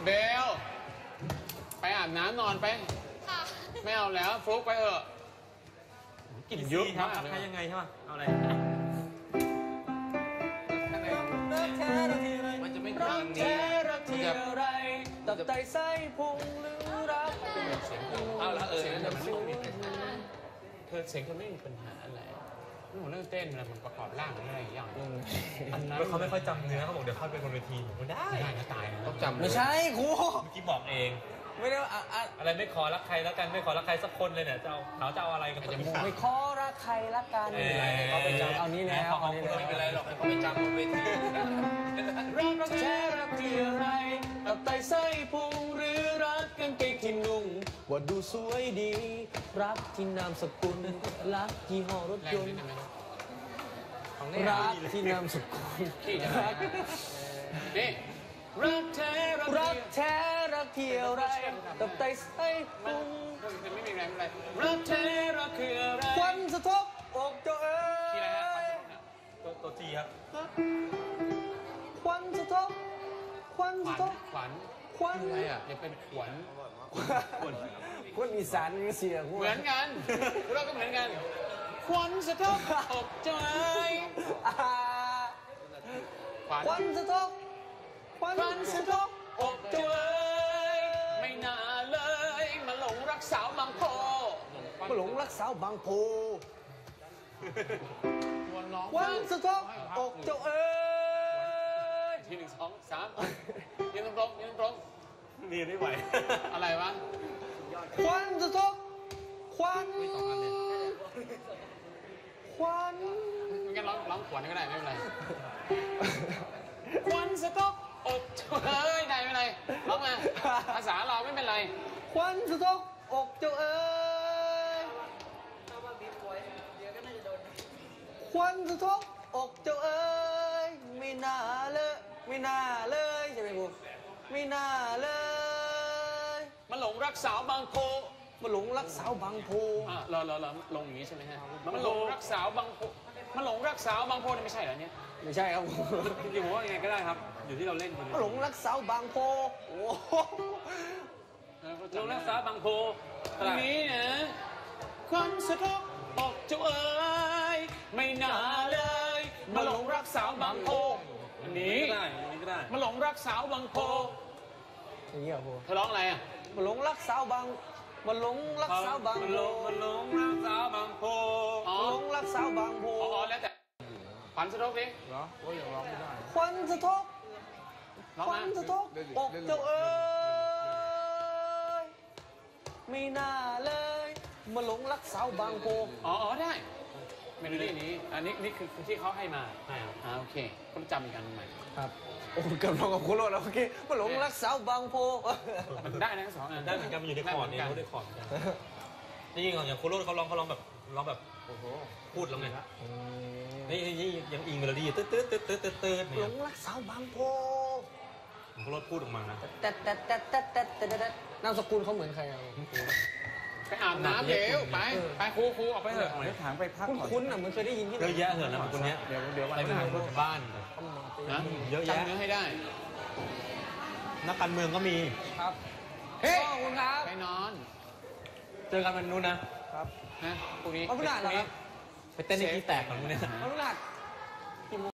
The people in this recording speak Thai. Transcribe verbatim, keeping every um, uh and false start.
เบลไปอาบน้ำนอนไปค่ะไม่เอาแล้วฟลุกไปเถอะกลิ่นเยอะมากเลยใครยังไงใช่ป่ะเอาอะไรมันจะไม่รักแท้รักที่อะไรตับไตไส้พุงหรือรักเสียงเอาละเออนั่นมันไม่มีปัญหาเธอเสียงเธอไม่มีปัญหาอะไรหนูเรื่องเต้นอะไรมันประกอบร่างอะไรอย่างเงี้ยอันนั้นเขาไม่ค่อยจำเนื้อเขาบอกเดี๋ยวเข้าไปบนเวทีไม่ได้ได้นะตายต้องจำไม่ใช่ครูเมื่อกี้บอกเองไม่ได้อะไรไม่ขอรักใครแล้วกันไม่ขอรักใครสักคนเลยเนี่ยจะเอาเขาจะเอาอะไรกันจะไม่ขอรักใครรักกันเขาไปจำเอานี้แล้วเขาไม่เป็นไรหรอกเขาไปจำบนเวทีรักแท้รักที่อะไรตับไตไส้พุงหรือรักกันเกงที่นุ่งว่าดูสวยดีรักที่นามสกุลรักที่ห่อรถยนต์รักที่นามสกุลรักนี่รักแท้รักแท้รักที่อะไรตับไตไส้พุงมันไม่มีแรงอะไรรักแท้รักคืออะไรควันสะทกอกเจ้าเอ๋ยตัวตัวจีครับควันสะทกควันสะทกขวัญควันอะไรอ่ะอย่าเป็นขวัญควันอีสานนี่เสียงเหมือนกันเราก็เหมือนกันควันสะทกอกเจ้าเอ๋ยควันสะทกควันสะทกอกเจ้าเอ๋ยไม่น่าเลยมาหลงรักสาวบางโพมาหลงรักสาวบางโพควันสะทกอกเจ้าเอ๋ยทีหนึ่งสองสามยืนตรงยืนตรงนี่ไม่ไหวอะไรวะควันสะทกควันควันงั้นร้องร้องขวัญก็ได้ไม่เป็นไรควันสะทกอกเอ้ยได้ไม่เป็นไรร้องมาภาษาเราไม่เป็นไรควันสะทกอกเจ้าเอ๋ยควันสะทกอกเจ้าเอ๋ยไม่น่าเลยไม่น่าเลยใช่ไหมครูไม่น่าเลยมาหลงรักสาวบางโพมาหลงรักสาวบางโพอ่ะรอรอรอลงอย่างนี้ใช่ไหมฮะมาหลงรักสาวบางโพมาหลงรักสาวบางโพนี่ไม่ใช่เหรอเนี่ยไม่ใช่ครับจริงๆผมว่ายังไงก็ได้ครับอยู่ที่เราเล่นคนมาหลงรักสาวบางโพโอ้หลงรักสาวบางโพนี้นะควันสะทกอกเจ้าเอ๋ยไม่น่าเลยมาหลงรักสาวบางโพอันนี้ก็ได้อันนี้ก็ได้มาหลงรักสาวบางโพอย่างนี้เหรอครูเธอร้องอะไรอ่ะมาหลงรักสาวบางมาหลงรักสาวบางโพมาหลงรักสาวบางโพมาหลงรักสาวบางโพอ๋อแล้วแต่ควันสะทกดิเหรอโอ้ยยังร้องไม่ได้ควันสะทกควันสะทกอกเจ้าเอ๋ยไม่น่าเลยมาหลงรักสาวบางโพอ๋อได้เมโลดี้นี้อันนี้นี่คือที่เขาให้มาอ่าโอเคก็จำกันใหม่ครับโอ้เกือบลงกับโคโรแล้วโอเคมาหลงรักสาวบางโพมันได้นะสองอันได้เหมือนกันมันอยู่ในคอร์ดนี่เขาได้คอร์ดนี่ยิงอย่างโคโรเขาร้องเขาร้องแบบร้องแบบโอ้โหพูดแล้วไงนี่นี่ยังอิงเมโลดี้ตืดตืดตืดตืดตืดตืดหลงรักสาวบางโพโคโรพูดออกมานะแต่แต่แต่แต่แต่แต่นามสกุลเขาเหมือนใครอ่ะไปอาบน้ำเดี๋ยวไปไปครูครูออกไปเถอะถามไปพักคุ้นๆอ่ะมันเคยได้ยินที่เยอะแยะเหรอนะคนนี้เดี๋ยวเดี๋ยวอะไรไม่เหมือนบ้านนะเยอะแยะจำเนื้อให้ได้นักการเมืองก็มีครับเฮ้ยขอบคุณครับไปนอนเจอกันวันนู้นนะครับฮะพรุ่งนี้วันพฤหัสเหรอครับไปเต้นในที่แตกของพวกนี้วันพฤหัส